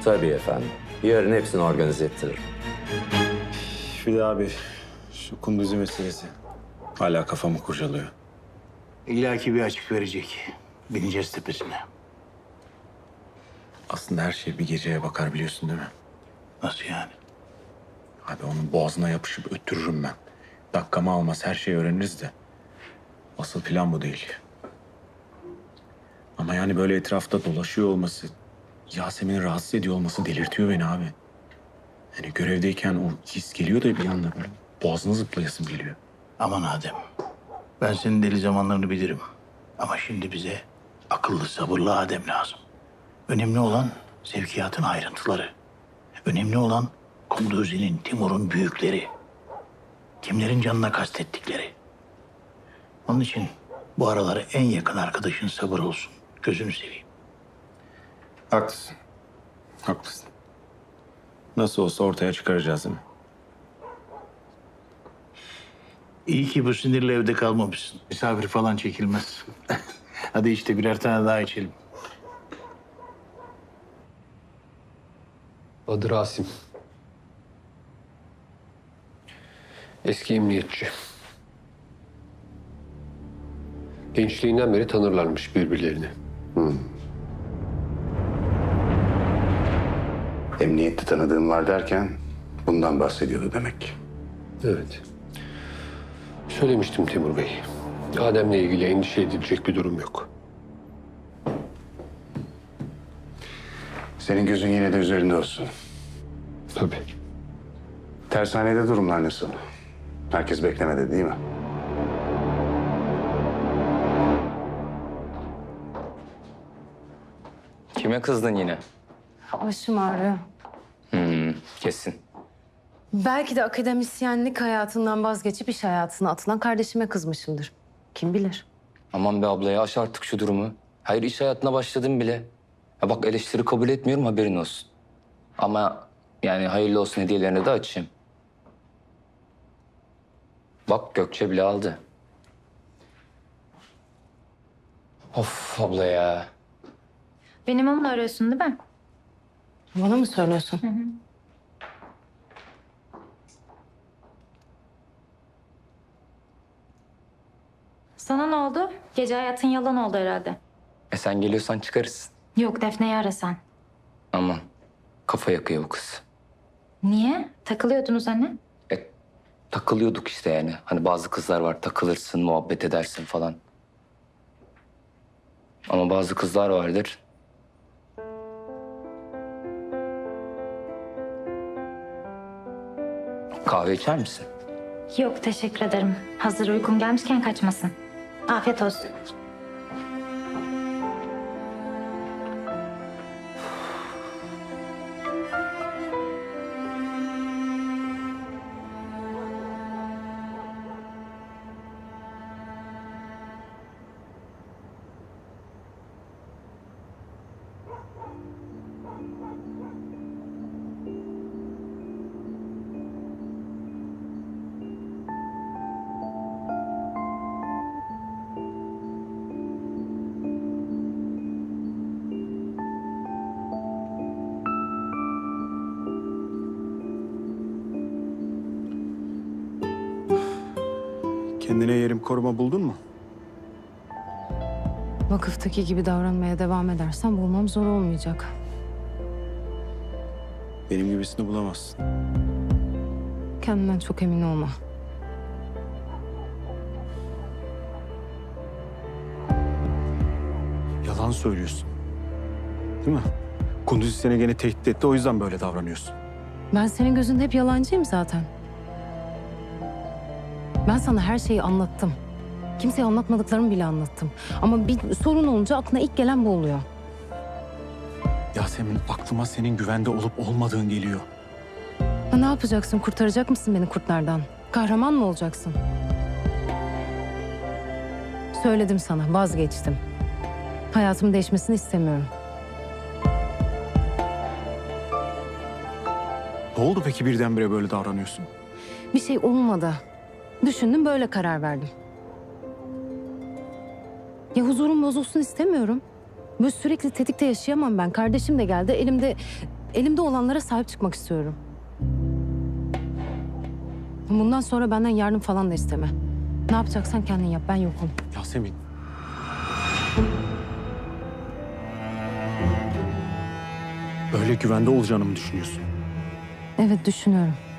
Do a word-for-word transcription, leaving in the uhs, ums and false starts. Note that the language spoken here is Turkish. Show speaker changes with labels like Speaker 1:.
Speaker 1: Tabii efendim. Yarın hepsini organize ettiririm.
Speaker 2: Bir de abi şu Kunduzi meselesi hala kafamı kurcalıyor.
Speaker 3: İlla ki bir açık verecek. Bineceğiz tepesine.
Speaker 2: Aslında her şey bir geceye bakar biliyorsun değil mi?
Speaker 3: Nasıl yani?
Speaker 2: Abi onun boğazına yapışıp öttürürüm ben. Dakikamı almaz her şeyi öğreniriz de. Asıl plan bu değil. Ama yani böyle etrafta dolaşıyor olması, Yasemin'i rahatsız ediyor olması delirtiyor beni abi. Yani görevdeyken o his geliyor da bir anda böyle boğazına zıplayasım geliyor.
Speaker 3: Aman Adem. Ben senin deli zamanlarını bilirim. Ama şimdi bize akıllı, sabırlı Adem lazım. Önemli olan sevkiyatın ayrıntıları. Önemli olan Kunduzi'nin, Timur'un büyükleri. Kimlerin canına kastettikleri. Onun için bu araları en yakın arkadaşın sabır olsun. Gözünü seveyim.
Speaker 2: Haklısın. Haklısın. Nasıl olsa ortaya çıkaracağız değil mi?
Speaker 3: İyi ki bu sinirle evde kalmamışsın. Misafir falan çekilmez. Hadi işte birer tane daha içelim.
Speaker 4: Adı Rasim. Eski emniyetçi. Gençliğinden beri tanırlarmış birbirlerini.
Speaker 5: Emniyette tanıdığım var derken bundan bahsediyordu demek.
Speaker 4: Evet. Söylemiştim Timur Bey. Adem'le ilgili endişe edilecek bir durum yok.
Speaker 5: Senin gözün yine de üzerinde olsun.
Speaker 4: Tabii.
Speaker 5: Tersanede durumlar nasıl? Herkes beklemedi değil mi?
Speaker 6: Kime kızdın yine?
Speaker 7: Başım ağrıyor.
Speaker 6: Hmm, kesin.
Speaker 7: Belki de akademisyenlik hayatından vazgeçip iş hayatına atılan kardeşime kızmışımdır. Kim bilir?
Speaker 6: Aman be abla ya, aş artık şu durumu. Hayır, iş hayatına başladım bile. Ya bak, eleştiri kabul etmiyorum, haberin olsun. Ama yani hayırlı olsun hediyelerini de açayım. Bak, Gökçe bile aldı. Of abla ya.
Speaker 8: Benim onunla arıyorsun değil mi?
Speaker 7: Bana mı söylüyorsun?
Speaker 8: Sana ne oldu? Gece hayatın yalan oldu herhalde.
Speaker 6: E sen geliyorsan çıkarız.
Speaker 8: Yok, Defne'yi ara sen.
Speaker 6: Aman, kafa yakıyor bu kız.
Speaker 8: Niye? Takılıyordunuz hani.
Speaker 6: E, takılıyorduk işte yani. Hani bazı kızlar var, takılırsın, muhabbet edersin falan. Ama bazı kızlar vardır. Kahve içer misin?
Speaker 8: Yok, teşekkür ederim. Hazır uykum gelmişken kaçmasın. Afiyet olsun.
Speaker 2: Kendine yerim koruma buldun mu?
Speaker 7: Vakıftaki gibi davranmaya devam edersen bulmam zor olmayacak.
Speaker 2: Benim gibisini bulamazsın.
Speaker 7: Kendinden çok emin olma.
Speaker 2: Yalan söylüyorsun. Değil mi? Kunduzi seni gene tehdit etti o yüzden böyle davranıyorsun.
Speaker 7: Ben senin gözünde hep yalancıyım zaten. Ben sana her şeyi anlattım. Kimseye anlatmadıklarımı bile anlattım. Ama bir sorun olunca aklına ilk gelen bu oluyor.
Speaker 2: Yasemin aklıma senin güvende olup olmadığın geliyor.
Speaker 7: Ha, ne yapacaksın? Kurtaracak mısın beni kurtlardan? Kahraman mı olacaksın? Söyledim sana, vazgeçtim. Hayatımın değişmesini istemiyorum.
Speaker 2: Ne oldu peki birdenbire böyle davranıyorsun?
Speaker 7: Bir şey olmadı. Düşündüm, böyle karar verdim. Ya huzurum bozulsun istemiyorum. Böyle sürekli tetikte yaşayamam ben. Kardeşim de geldi, elimde elimde olanlara sahip çıkmak istiyorum. Bundan sonra benden yardım falan da isteme. Ne yapacaksan kendin yap, ben yokum.
Speaker 2: Yasemin. Öyle güvende olacağını mı düşünüyorsun?
Speaker 7: Evet, düşünüyorum.